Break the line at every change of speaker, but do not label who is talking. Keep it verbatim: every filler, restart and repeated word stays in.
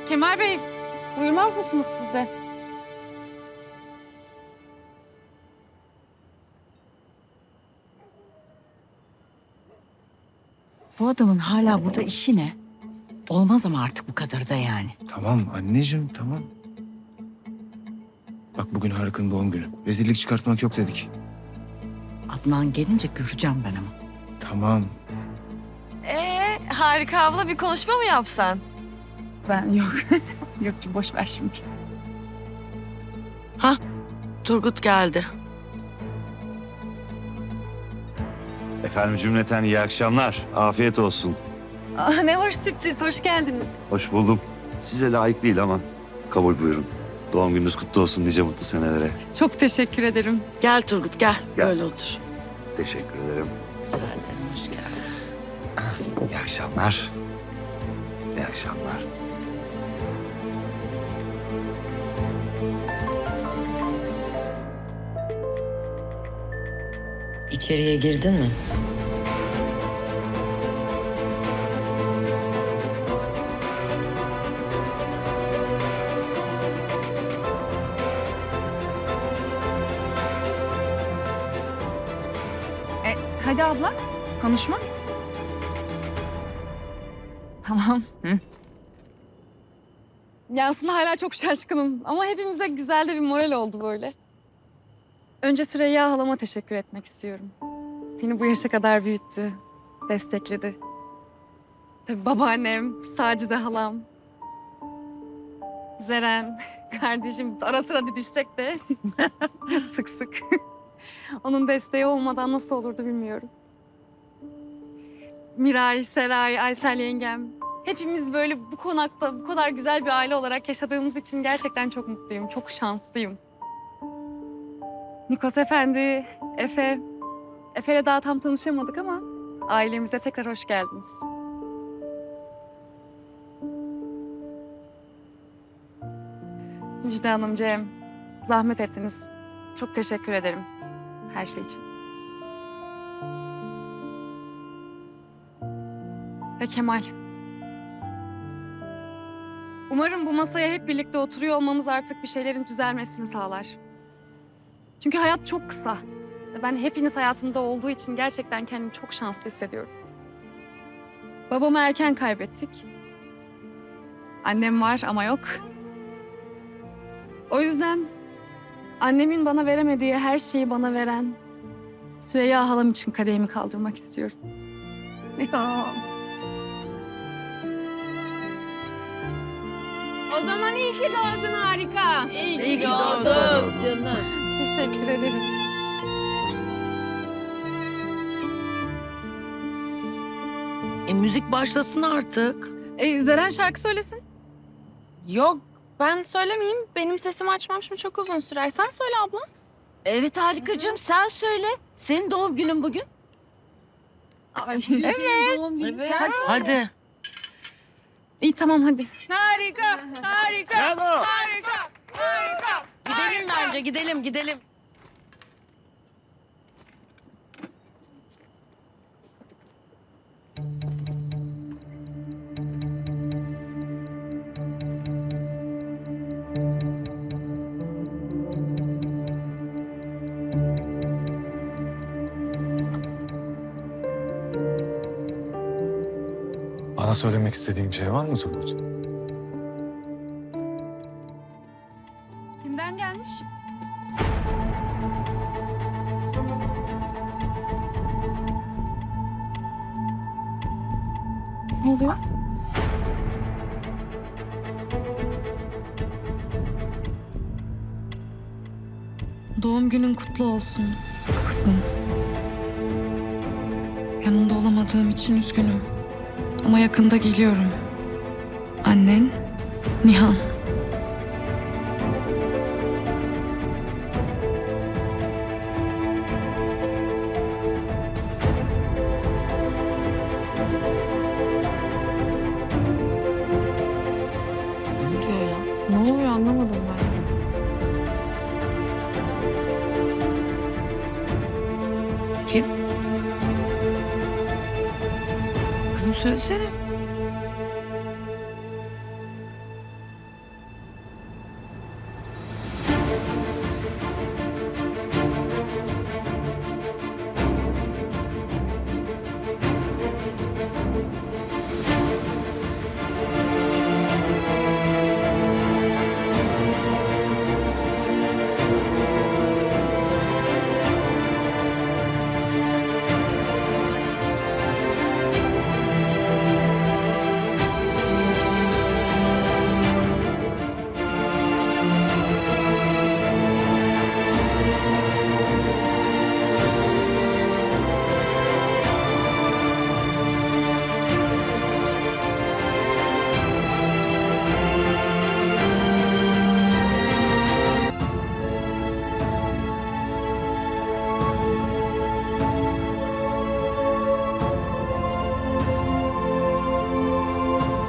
Kemal Bey, buyurmaz mısınız siz de?
Bu adamın hala burada işi ne? Olmaz ama artık bu kadar da yani.
Tamam anneciğim, tamam. Bak bugün Harika'nın doğum günü. Rezillik çıkartmak yok dedik.
Adnan gelince göreceğim ben ama.
Tamam.
Ee, Harika abla bir konuşma mı yapsan?
Ben yok. yok boş ver şimdi.
Turgut geldi.
Efendim cümleten iyi akşamlar. Afiyet olsun.
Aa, ne hoş sürpriz, hoş geldiniz.
Hoş buldum. Size layık değil ama kabul buyurun. Doğum gününüz kutlu olsun nice mutlu senelere.
Çok teşekkür ederim.
Gel Turgut gel.
Gel.
Böyle otur.
Teşekkür ederim.
Rica ederim hoş geldin.
İyi akşamlar. İyi akşamlar.
İçeriye girdin mi?
E, hadi abla, konuşma. Tamam. Hı. Ya aslında hala çok şaşkınım ama hepimize güzel de bir moral oldu böyle. Önce Süreyya halama teşekkür etmek istiyorum. Beni bu yaşa kadar büyüttü, destekledi. Tabii babaannem, Sacide halam, Zeren, kardeşim ara sıra didişsek de sık sık. Onun desteği olmadan nasıl olurdu bilmiyorum. Miray, Seray, Aysel yengem. Hepimiz böyle bu konakta bu kadar güzel bir aile olarak yaşadığımız için gerçekten çok mutluyum, çok şanslıyım. Nikos Efendi, Efe. Efe'yle daha tam tanışamadık ama ailemize tekrar hoş geldiniz. Müjde Hanım, Cem, zahmet ettiniz. Çok teşekkür ederim her şey için. Ve Kemal. Umarım bu masaya hep birlikte oturuyor olmamız artık bir şeylerin düzelmesini sağlar. Çünkü hayat çok kısa. Ve ben hepiniz hayatımda olduğu için gerçekten kendimi çok şanslı hissediyorum. Babamı erken kaybettik. Annem var ama yok. O yüzden annemin bana veremediği her şeyi bana veren Süreyya halam için kadehimi kaldırmak istiyorum.
Ya.
O zaman iyi ki doğdun Harika. İyi ki,
İyi ki
doğdun
doğdun.
canım.
Teşekkür ederim.
E müzik başlasın artık.
E, Zeren şarkı söylesin.
Yok ben söylemeyeyim. Benim sesimi açmam şimdi çok uzun sürer. Sen söyle abla.
Evet Harikacığım sen söyle. Senin doğum günün bugün.
Ay.
Evet. Doğum günün.
Evet.
Hadi.
Hadi.
İyi tamam hadi.
Harika, harika, harika, harika.
Gidelim bence gidelim gidelim.
Bana söylemek istediğin bir şey var mı Turgut?
Kimden gelmiş? Ne oluyor? Doğum günün kutlu olsun kızım. Yanında olamadığım için üzgünüm. Ama yakında geliyorum. Annen, Nihan.
Ne diyor ya?
Ne oluyor anlamadım ben.
Kim? Kızım söylesene.